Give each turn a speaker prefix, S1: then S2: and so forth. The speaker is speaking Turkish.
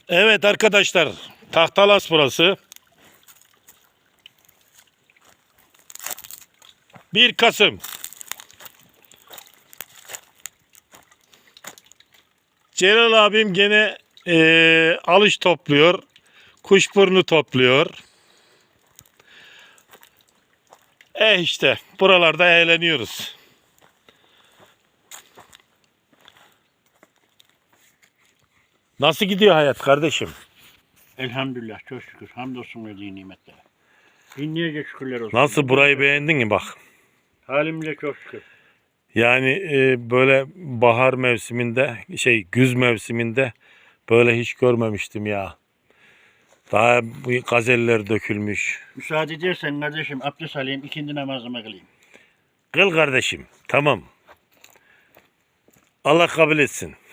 S1: Evet arkadaşlar, Tahtalas burası. 1 Kasım. Celal abim gene alış topluyor. Kuşburnu topluyor. İşte buralarda eğleniyoruz. Nasıl gidiyor hayat kardeşim?
S2: Elhamdülillah, çok şükür. Hamdolsun verdiği nimetlere. Binlerce şükürler olsun.
S1: Nasıl, burayı beğendin mi bak?
S2: Halimize çok şükür.
S1: Yani böyle bahar mevsiminde, güz mevsiminde böyle hiç görmemiştim ya. Daha bu gazeller dökülmüş.
S2: Müsaade edersen kardeşim abdest alayım, ikindi namazımı kılayım.
S1: Kıl kardeşim, tamam. Allah kabul etsin.